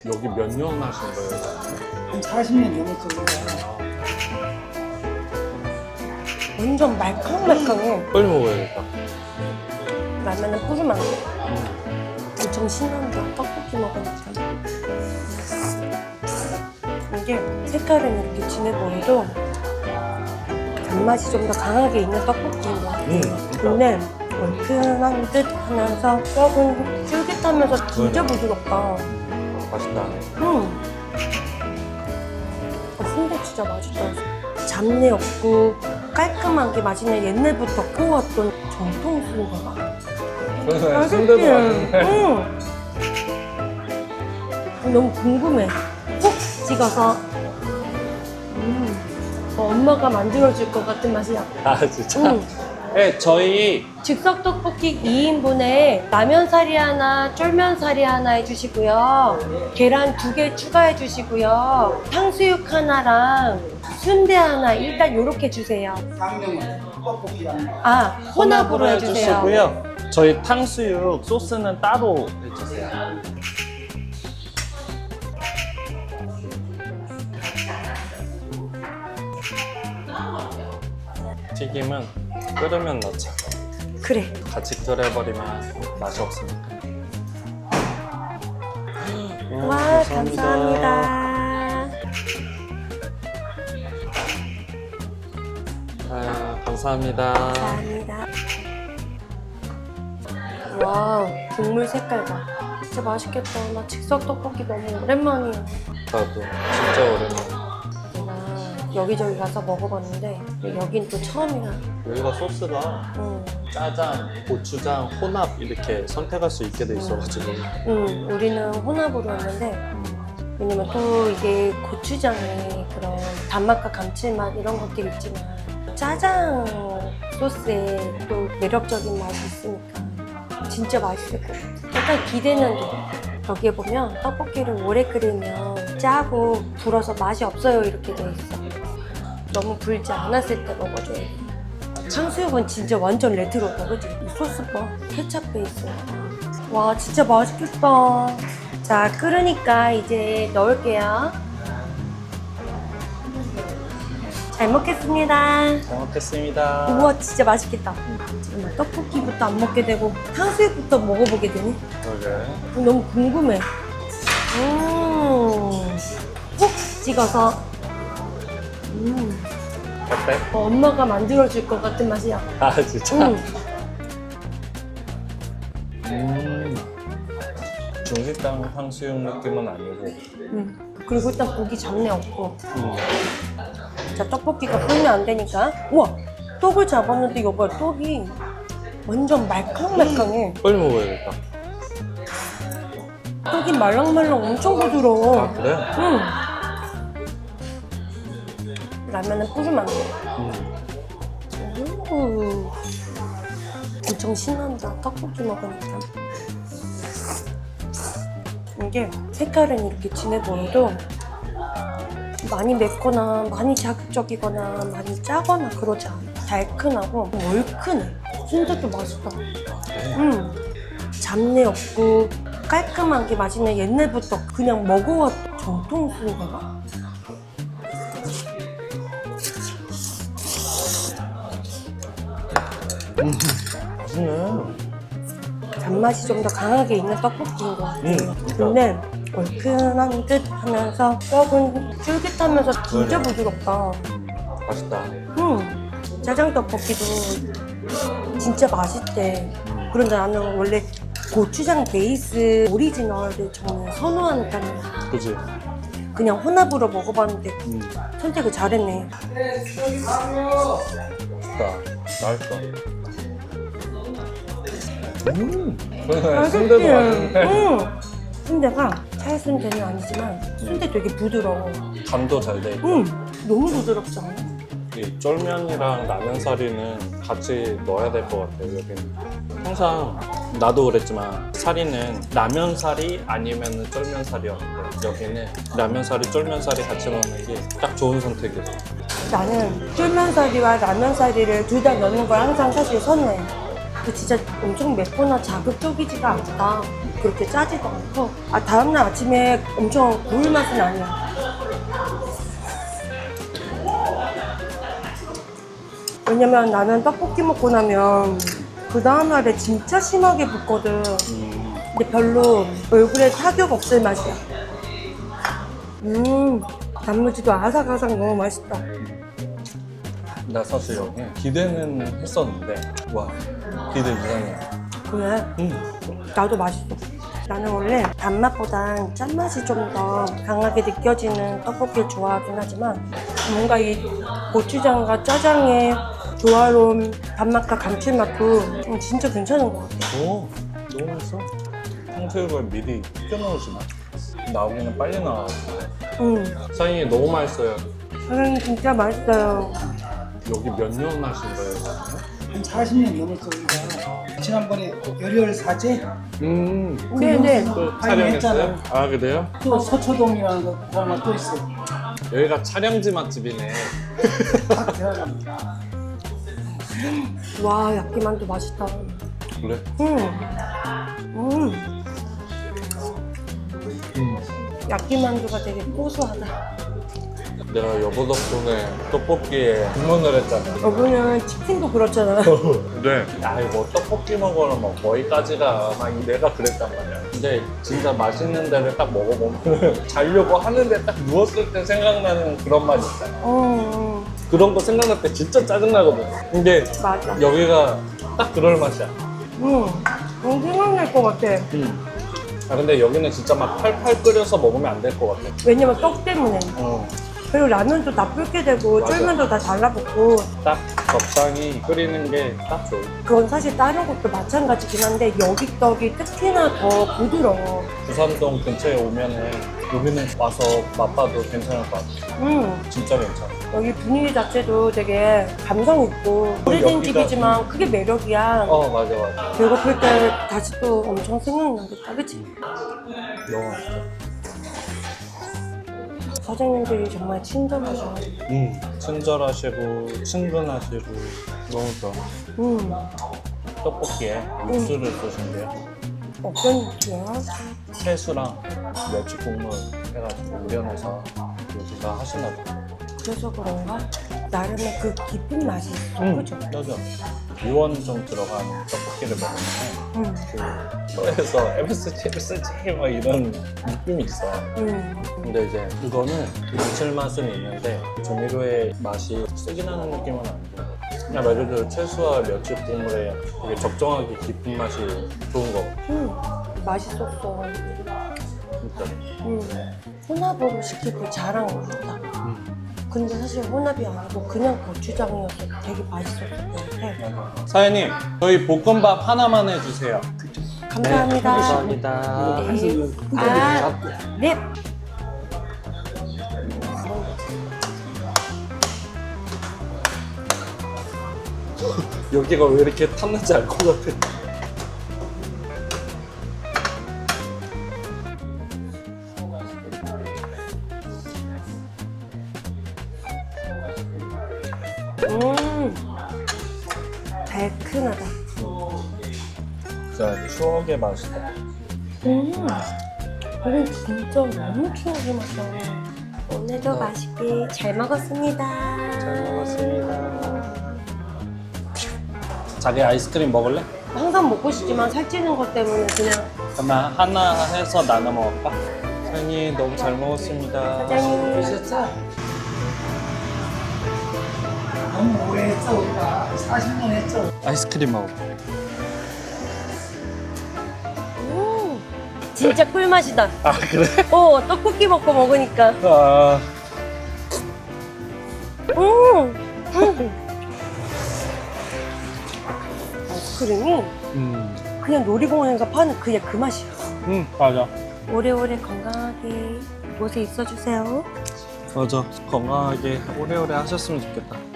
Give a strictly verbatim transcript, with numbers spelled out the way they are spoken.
여기 몇 년 하신 거예요? 한 사십 년 넘었어요. 완전 말캉말캉해. 빨리 먹어야겠다. 라면은 뿌리면 안 돼. 엄청 신난다. 떡볶이 먹으니까. 이게 색깔은 이렇게 진해 보여도 단맛이 좀 더 강하게 있는 떡볶이인 것 같아. 음, 근데 얼큰한 듯 하면서 떡은 쫄깃하면서 진짜 부드럽다. 맛있다. 음. 어, 순대 진짜 맛있다. 잡내 없고 깔끔하게 맛있는 옛날부터 구워왔던 정통 순대가. 그래서 순대도 맛있는데. 응. 너무 궁금해. 콕 찍어서. 음. 어, 엄마가 만들어줄 것 같은 맛이야. 아 진짜? 응. 네, 저희 즉석 떡볶이 이 인분에 라면사리 하나, 쫄면사리 하나 해주시고요. 계란 두 개 추가해 주시고요. 탕수육 하나랑 순대 하나 일단 요렇게 주세요. 강릉은 떡볶이랑 아, 혼합으로 해주세요. 해주시고요. 저희 탕수육 소스는 따로 해주세요. 튀김은 끓으면 넣자. 그래. 같이 끓여버리면 맛이 없으니까. 음, 와, 감사합니다. 아, 감사합니다. 감사합니다. 와, 국물 색깔 봐. 진짜 맛있겠다. 나 즉석 떡볶이 너무 오랜만이야. 나도 진짜 오랜만에. 내가 여기저기 가서 먹어봤는데 여긴 또 처음이야. 여기가 소스가 응. 짜장, 고추장, 혼합 이렇게 선택할 수 있게 돼 있어가지고. 응, 우리는 혼합으로 했는데 왜냐면 또 이게 고추장에 그런 단맛과 감칠맛 이런 것들이 있지만 짜장 소스에 또 매력적인 맛이 있으니까 진짜 맛있을 것 같아. 약간 기대는 돼. 여기에 보면 떡볶이를 오래 끓이면 짜고 불어서 맛이 없어요 이렇게 돼 있어. 너무 불지 않았을 때 먹어줘야 돼. 탕수육은 진짜 완전 레트로다, 그치? 이 소스 봐. 케찹 베이스. 와, 진짜 맛있겠다. 자, 끓으니까 이제 넣을게요. 잘 먹겠습니다. 잘 먹겠습니다. 우와, 진짜 맛있겠다. 지금 떡볶이부터 안 먹게 되고 탕수육부터 먹어보게 되네. 그러게. 너무 궁금해. 음, 콕 찍어서. 음, 어때? 어, 엄마가 만들어줄 것 같은 맛이야. 아 진짜? 음. 음. 중식당 탕수육 느낌은 아니고. 음. 그리고 일단 고기 잡내 없고. 음. 자, 떡볶이가 불면 안 되니까. 우와! 떡을 잡았는데 여봐, 떡이 완전 말캉말캉해. 빨리 먹어야겠다. 떡이 말랑말랑 엄청 부드러워. 아 그래? 응. 라면은 뿌리면 안 돼. 음. 오. 엄청 신난다. 떡볶이 먹으니까. 이게 색깔은 이렇게 진해 보여도 많이 맵거나 많이 자극적이거나 많이 짜거나 그러지 않아. 달큰하고 얼큰해. 순대도 맛있다. 그래? 음. 잡내 없고 깔끔하게 맛있는 옛날부터 그냥 먹어왔던 정통 순대가. 음. 맛있네. 단맛이 좀 더 강하게 있는 떡볶이인 것 같아. 음, 근데 얼큰한 듯 하면서 떡은 쫄깃하면서 진짜 그래. 부드럽다. 음. 맛있다. 음, 짜장 떡볶이도 진짜 맛있대. 그런데 나는 원래 고추장 베이스 오리지널을 정말 선호하는 편이야. 그지? 그냥 혼합으로 먹어봤는데 음. 선택을 잘했네. 맛있다. 맛있어. 음. 그래, 맛있지? 순대도 맛있네. 음. 순대가 찰순대는 아니지만 순대 되게 부드러워. 간도 잘 돼 있고. 음, 너무 부드럽지 않아? 이 쫄면이랑 라면사리는 같이 넣어야 될 것 같아요, 여기는. 항상 나도 그랬지만 사리는 라면사리 아니면 쫄면사리였는데 여기는 라면사리, 쫄면사리 같이 넣는 게 딱 좋은 선택이었어. 나는 쫄면사리와 라면사리를 둘 다 넣는 걸 항상 사실 선호해. 근데 진짜 엄청 맵거나 자극적이지가 않다. 그렇게 짜지도 않고 아 다음날 아침에 엄청 고울 맛은 아니야. 왜냐면 나는 떡볶이 먹고 나면 그 다음날에 진짜 심하게 붓거든. 음. 근데 별로 얼굴에 타격 없을 맛이야. 음, 단무지도 아삭아삭 너무 맛있다. 나 사실 여기 기대는 했었는데 와 기대 이상이야. 그래? 음. 나도 맛있어. 나는 원래 단맛보단 짠맛이 좀 더 강하게 느껴지는 떡볶이를 좋아하긴 하지만 뭔가 이 고추장과 짜장의 조화로운 단맛과 감칠맛도 진짜 괜찮은 것 같아. 오 너무 맛있어. 탕수육을 미리 튀겨놓으시나? 나오기는 빨리 나와. 음, 사장님 너무 맛있어요. 사장님 진짜 맛있어요. 여기 몇 년 하신 거예요? 사장님? 한 사십 년 넘었어 우리가. 지난번에 열혈 사제 음. 네, 네. 또 많이 촬영했어요? 했잖아. 아 그래요? 또 서초동이라는 거 드라마 또 있어. 여기가 촬영지 맛집이네. 딱 들어갑니다. 와, 야끼만두 맛있다. 그래? 음, 음. 음. 야끼만두가 되게 고소하다. 내가 여보 덕분에 떡볶이에 주문을 했잖아. 여보는 치킨도 그렇잖아. 그래. 야 이거 떡볶이 먹으러 뭐 거기까지가 막 내가 그랬단 말이야. 근데 진짜 맛있는 데를 딱 먹어보면 자려고 하는데 딱 누웠을 때 생각나는 그런 맛 있잖아. 어, 그런 거 생각날 때 진짜 짜증나거든. 근데 맞아. 여기가 딱 그럴 맛이야. 음, 너무 생각날 것 같아. 음. 아 근데 여기는 진짜 막 팔팔 끓여서 먹으면 안 될 것 같아. 왜냐면 떡 때문에. 어. 그리고 라면도 다 불게 되고 맞아. 쫄면도 다 달라붙고 딱 적당히 끓이는 게 딱 좋아. 그건 사실 다른 곳도 마찬가지긴 한데 여기 떡이 특히나 더 부드러워. 부산동 근처에 오면은 여기는 와서 맛봐도 괜찮을 것 같아. 음, 진짜 괜찮아. 여기 분위기 자체도 되게 감성 있고 오래된 여기가- 집이지만 그게 매력이야. 어 맞아 맞아. 배고플 때 다시 또 엄청 생각나겠다, 그치? 너무 맛있어. 사장님들이 정말 친절하셔. 음. 친절하시고 친근하시고 너무 좋아. 음, 떡볶이에 육수를 쓰신대요. 어떤 느낌이야? 채수랑 멸치 국물 해가지고 우려내서 여기가 하시나 봐. 그래서 그런가? 나름의 그 깊은 맛이 있어, 그죠? 맞아. 유원 좀 들어간 떡볶이를 먹으면 음, 그 혀에서 엠에스지 엠에스지 막 이런 느낌이 있어. 음, 근데 이제 이거는 감칠맛은 있는데 조미료의 맛이 세게 나는 느낌은 아니고 그냥 말 그대로 채소와 멸치 국물에 되게 적정하게 깊은 맛이 좋은 거 음, 맛있었어. 진짜. 음, 혼합으로 시키고 잘한 것 같다. 근데 사실 혼합이 아니고 그냥 고추장이어서 되게 맛있었을 것 같아. 사장님 저희 볶음밥 하나만 해주세요. 감사합니다. 감사합니다. 네. 아, 네. 여기가 왜 이렇게 탔는지 알 것 같아. 음, 달큰하다. 진짜 추억의 맛이다. 음, 이건 진짜 너무 추억의 맛이야. 오늘도 맛있게 잘 먹었습니다. 잘 먹었습니다. 자기 아이스크림 먹을래? 항상 먹고 싶지만 살찌는 것 때문에 그냥 그러면 하나 해서 나눠 먹을까? 사장님 너무 잘 먹었습니다. 사장님. 드셨어? 너무 오래 했어 우리가. 사십 년 했죠. 아이스크림 먹어. 음, 진짜 꿀맛이다. 아 그래? 어, 떡볶이 먹고 먹으니까. 아 음, 음. 아이스크림이 음, 그냥 놀이공원에서 파는 그냥 그 맛이야. 음 맞아. 오래오래 건강하게 곳에 있어주세요. 맞아. 건강하게 오래오래 하셨으면 좋겠다.